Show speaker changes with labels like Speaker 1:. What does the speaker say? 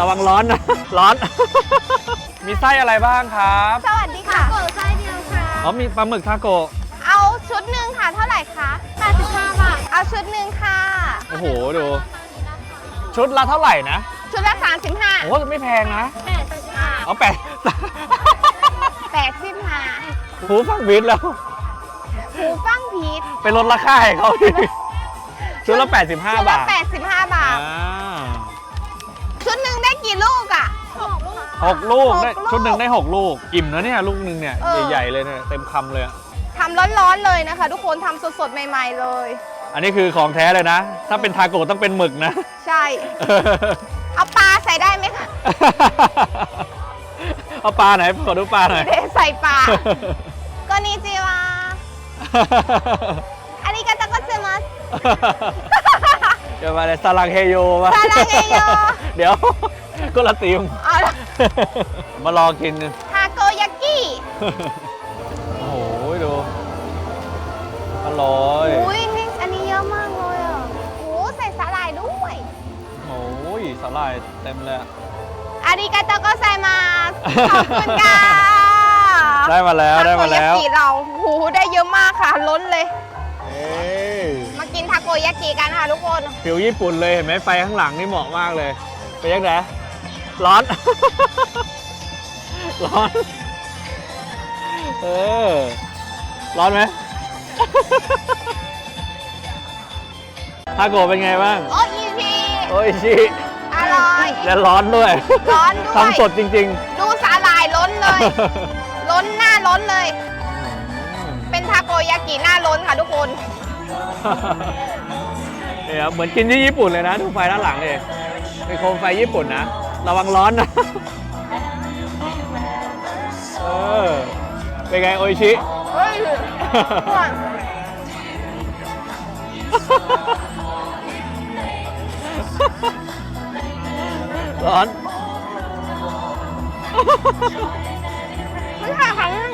Speaker 1: ระวังร้อนนะ ร้อน มีไส้อะไรบ้างครับ
Speaker 2: สวัสดีค่ะโกไส้เดียวค่ะ
Speaker 1: อ๋อมีปลาหมึกทาโกะ
Speaker 2: เอาชุดหนึ่งค่ะเท่าไหร่คะ85 บาทเอาชุดหนึ่งค่ะ
Speaker 1: โอ้โหดูชุดละเท่าไหร่นะ
Speaker 2: ชุดละ35
Speaker 1: โอ้ไม่แพงนะ
Speaker 2: 85
Speaker 1: เอา
Speaker 2: 85
Speaker 1: หูฟังบิดแล้ว
Speaker 2: หูฟังพีช
Speaker 1: ไปลดราคาให้เขาดิชุดละ85
Speaker 2: ชุด
Speaker 1: บา
Speaker 2: ละ
Speaker 1: ท
Speaker 2: 85 บาท
Speaker 1: อ่า
Speaker 2: ชุดหนึ่งได้กี่ลูกอ่ะ
Speaker 1: 6 ลูกได้
Speaker 2: 6 ลูก
Speaker 1: ชุดหนึ่งได้ 6 ลูก อิ่มนะเนี่ยลูกหนึ่งเนี่ย
Speaker 2: เออ
Speaker 1: ใหญ่ๆเลยเนี่ยเต็มคำเลยอะ
Speaker 2: ทำร้อนๆเลยนะคะ ทุกคนทำสดๆใหม่ๆเลย
Speaker 1: อันนี้คือของแท้เลยนะ ถ้าเป็นทาโกะต้องเป็นหมึกนะ
Speaker 2: ใช่ เอาปลาใส่ได้ไหมคะ
Speaker 1: เอาปลาไหนขอดูปลาหน่อย
Speaker 2: เดใส่ปลาこんにちはありがとうございます
Speaker 1: เดี๋ยวมาเลยซาลังเฮโยมา
Speaker 2: ซาลังเฮโย
Speaker 1: เดี๋ยวก็ละตีม
Speaker 2: เอาละ
Speaker 1: มารอกิน
Speaker 2: ทาโกยากิ
Speaker 1: โอ้โหดูอร่อย
Speaker 2: อุ้ยนี่อันนี้เยอะมากเลยอ่ะโอ้ใส่สาหร่ายด้วย
Speaker 1: โอ้ยสาหร่ายเต็มเลยอะ
Speaker 2: อาริกาโตโกไซมาสขอบคุณค่ะ
Speaker 1: ได้มาแล้วได้มาแล้ว
Speaker 2: ทาโกยากิเราโอ้โหได้เยอะมากค่ะ ล้นเลย
Speaker 1: เอ้ย
Speaker 2: มากินทาโกยากิกันค่ะทุกคน
Speaker 1: ฟิวญี่ปุ่นเลยเห็นไหมไฟข้างหลังนี่เหมาะมากเลยไปยังไงร้อน ร้อน เออ ร้อนไหม ทาโกะเป็นไงบ้าง
Speaker 2: โออีพี
Speaker 1: โอ้ยชิ
Speaker 2: อร่อย
Speaker 1: และร้อนด้วย
Speaker 2: ร้อนด้วย
Speaker 1: ทำสดจริง
Speaker 2: ดูสาหร่ายล้นเลย
Speaker 1: ๆ
Speaker 2: ล้นหน้าล้นเลย เป็นทาโกยากิหน้าล้นค่ะทุกคน
Speaker 1: เนี่ยครับเหมือนกินที่ญี่ปุ่นเลยนะดูไฟด้านหลังเลยเป็นโคมไฟญี่ปุ่นนะระวังร้อนนะ เออเป็นไงโออิชิ
Speaker 2: เฮ้ยก่อน
Speaker 1: ร้อน
Speaker 2: มันค่ะค่ะ